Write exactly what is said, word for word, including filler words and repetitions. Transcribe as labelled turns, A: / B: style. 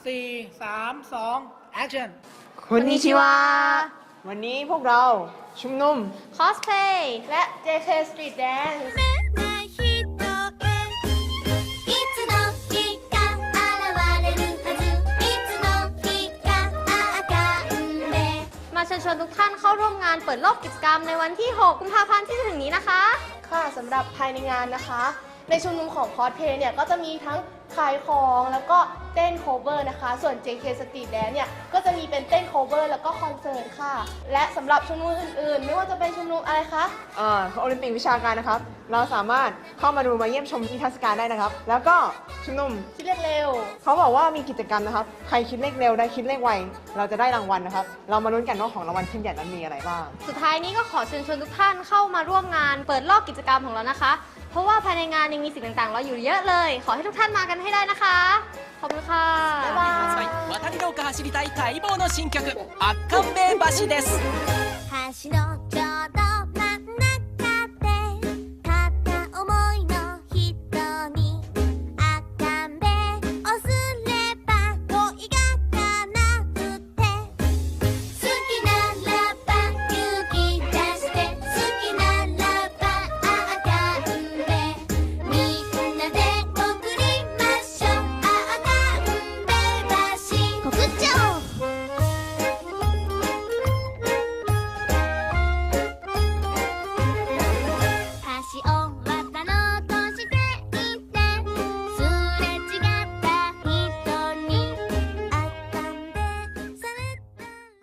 A: สี่ สาม สอง action
B: คนนิชิวะวันนี้พวกเราชุมนุม
C: คอสเพลย์
D: และ เจ เค Street Dance
E: いつの日か現れるはずいつの日かあかんで
C: มาเชิญชวนทุกท่านเข้าร่วมงานเปิดโลกกิจกรรมในวันที่ หก กุมภาพันธ์ที่จะถึงนี้นะคะ
D: ค่ะสำหรับภายในงานนะคะ ในชุมนุมของคอสเพลย์เนี่ยก็จะมีทั้งขายของแล้วก็เต้นโคเวอร์นะคะ ส่วน เจ เค Street Dance เนี่ยก็จะมีเป็นเต้นโคเวอร์แล้วก็คอนเสิร์ตค่ะ และสำหรับชุมนุมอื่นๆ ไม่ว่าจะเป็นชุมนุมอะไรคะ
B: เอ่อโอลิมปิกวิชาการนะครับ เราสามารถเข้ามาดูมาเยี่ยมชมนิทรรศการได้นะครับ แล้วก็ชุมนุม
D: คิดเลขเร็ว
B: เขาบอกว่ามีกิจกรรมนะครับ ใครคิดเลขเร็วได้คิดเลขไว เราจะได้รางวัลนะครับ เรามาลุ้นกันว่าของรางวัลชิ้นใหญ่นั้นมีอะไรบ้าง
C: สุดท้ายนี้ก็ขอเชิญชวนทุกท่านเข้ามาร่วมงานเปิดโลกกิจกรรมของเรานะคะ เพราะว่าภายในงานยังมีสิ่งต่างๆรออยู่เยอะเลย ขอให้ทุกท่านมากันให้ได้นะคะ ขอบคุณค่ะ
D: บ๊ายบาย
F: 発売渡り廊下走りたい待望の新曲「圧巻名橋」です
E: 橋のちょうど